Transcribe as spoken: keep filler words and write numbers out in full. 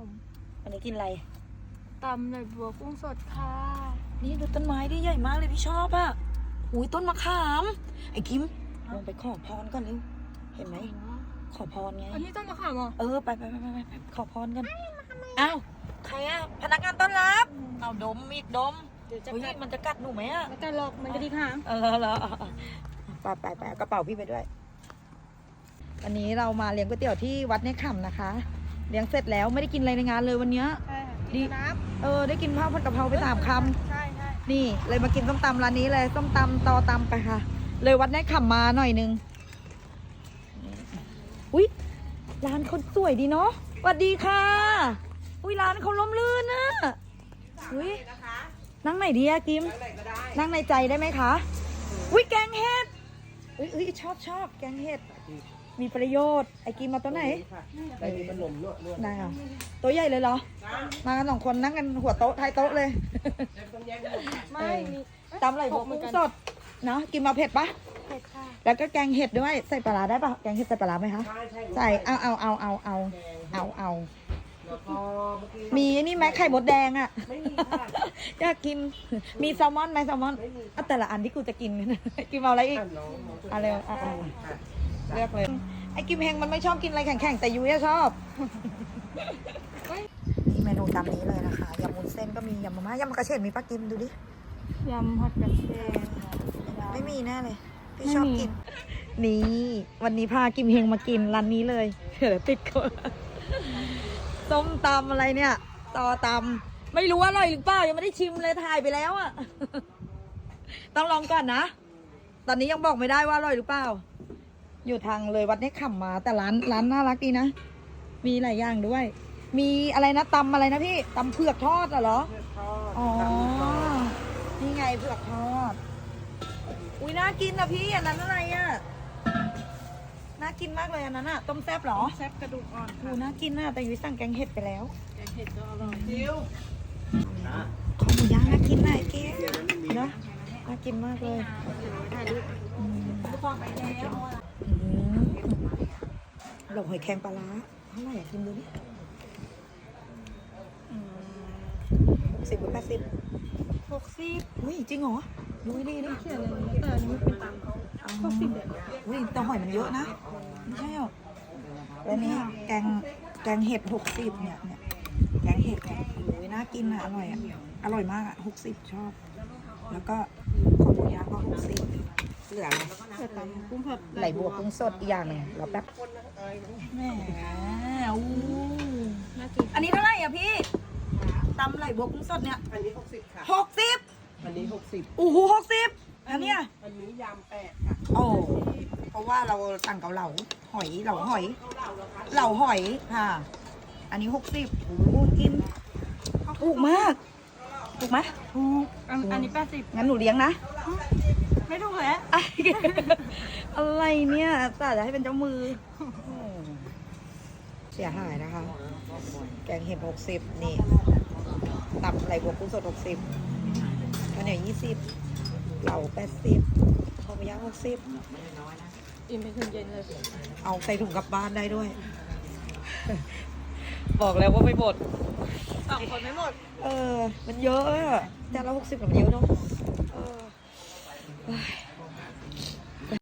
มวันนี้กินอะไรตำเลยบัวกุ้งสดค่ะนี่ดูต้นไม้ดิใหญ่มากเลยพี่ชอบอ่ะหูยต้นมะขามไอ้กิมลงไปขอพรก่อนเร็วเห็นไหมขอพรไงอันนี้ต้นมะขามเหรอเออไปไปไปไปไปขอพรกันอ้าวใครอ่ะพนักงานต้อนรับเอาดมมีดดมเฮ้ยมันจะกัดหนูไหมอ่ะไม่กัดหรอกมันจะดีค่ะเออเหรอไปไปไปกระเป๋าพี่ไปด้วยวันนี้เรามาเลี้ยงก๋วยเตี๋ยวที่วัดในค่ำนะคะเลี้ยงเสร็จแล้วไม่ได้กินอะไรในงานเลยวันนี้ดีน้ำเออได้กินข้าวผัดกะเพราไปสามคำใช่ใช่นี่เลยมากินส้มตำร้านนี้เลยส้มตำตอตำไปค่ะเลยวัดในค่ำมาหน่อยนึงอุ้ยร้านคนสวยดีเนาะสวัสดีค่ะอุ้ยร้านเขาล้มลื่นนะอุ้ยนั่งไหนดีอะกิมนั่งในใจได้ไหมคะอุ้ยแกงเห็ดอุ้ยอุ้ยชอบชอบแกงเห็ดมีประโยชน์ไอ้กิมมาตัวไหนได้มีขนมนวดนวดได้เหรอตัวใหญ่เลยเหรอมากันสองคนนั่งกันหัวโต๊ะท้ายโต๊ะเลยไม่มีตำไหลบัวกุ้งสดเนาะกินมาเผ็ดปะเผ็ดค่ะแล้วก็แกงเห็ดด้วยใส่ปลาร้าได้ปะแกงเห็ดใส่ปลาร้าไหมคะใส่เอาเอาเอาเอาเอาเอาเอามีนี่ไหมไข่มดแดงอ่ะไม่มีค่ะอยากกินมีแซลมอนไหมแซลมอนอ่ะแต่ละอันที่กูจะกินกินเอาอะไรอีกอะไรอ่ะเลือกเลยไอ้กิมเฮงมันไม่ชอบกินอะไรแข็งๆแต่ยุ้ยชอบนี่เมนูตามนี้เลยนะคะยำมุ้นเส้นก็มียำมะม่ายำมะกระเฉดมีปลากิมดูดิยำผัดกระเทียมไม่มีแน่เลยพี่ชอบกินนี่วันนี้พากิมเฮงมากินร้านนี้เลยเดี๋ยวติดคนส้มตำอะไรเนี่ยต่อตำไม่รู้ว่าอร่อยหรือเปล่ายังไม่ได้ชิมเลยถ่ายไปแล้วอ่ะต้องลองก่อนนะตอนนี้ยังบอกไม่ได้ว่าอร่อยหรือเปล่าอยู่ทางเลยวัดนี้ขับมาแต่ร้านร้านน่ารักดีนะมีหลายอย่างด้วยมีอะไรนะตำอะไรนะพี่ตำเผือกทอดเหรออ๋อนี่ไงเผือกทอดอุ้ยน่ากินนะพี่อันนั้นอะไรอ่ะน่ากินมากเลยอันนั้นอ่ะต้มแซ่บหรอแซ่บกระดูกอ่อนดูน่ากินน่ะแต่ยุ้ยสั่งแกงเห็ดไปแล้วแกงเห็ดก็อร่อยคิวขอหมูย่างน่ากินน่ะไอ้เก๋เนาะน่ากินมากเลยถ่ายรูปเราหอยแครงปลาร้าเท่าไหร่อะกินดูดิหกสิบหรือแปดสิบหกสิบอุ้ยจริงเหรอดูดิดิเขียนเลยแต่อันนี้เป็นตังค์หกสิบอุ้ยแต่หอยมันเยอะนะไม่ใช่หรอแล้วนี้แกงแกงเห็ดหกสิบเนี่ยเนี่ยแกงเห็ดเนี่ยโอ้ยน่ากินอ่ะอร่อยอ่ะอร่อยมากอ่ะหกสิบชอบแล้วก็ขอหมูย่างก็หกสิบเหลืออะไรเหลือตำกุ้งผัดไหลบัวกุ้งสดอีกอย่างหนึ่งเราแป๊บแหมอู้น่ากินอันนี้เท่าไหร่อ่ะพี่ตำไหลบัวกุ้งสดเนี่ยอันนี้หกสิบค่ะหกสิบอันนี้หกสิบโอ้โหหกสิบอันเนี้ยอันนี้ยำแปดค่ะโอ้เพราะว่าเราสั่งเกาเหลาหอยเหลาหอยเหลาหอยค่ะอันนี้หกสิบโอ้โหกินถูกมากถูกไหมถูกอันนี้แปดสิบงั้นหนูเลี้ยงนะไม่ถูกแล้วอะไรเนี่ยสาจะให้เป็นเจ้ามือเสียหายนะคะแกงเห็ดหกสิบนี่ตับไหลบัวกุ้งสดหกสิบข้าวเหนียวยี่สิบเหล่าแปดสิบข้าวหมูย่างหกสิบอิ่มไปถึงเย็นเลยเอาใส่ถุงกลับบ้านได้ด้วยบอกแล้วว่าไม่หมดสองคนไม่หมดเออมันเยอะอะจานละหกสิบมันเยอะเนาะเออ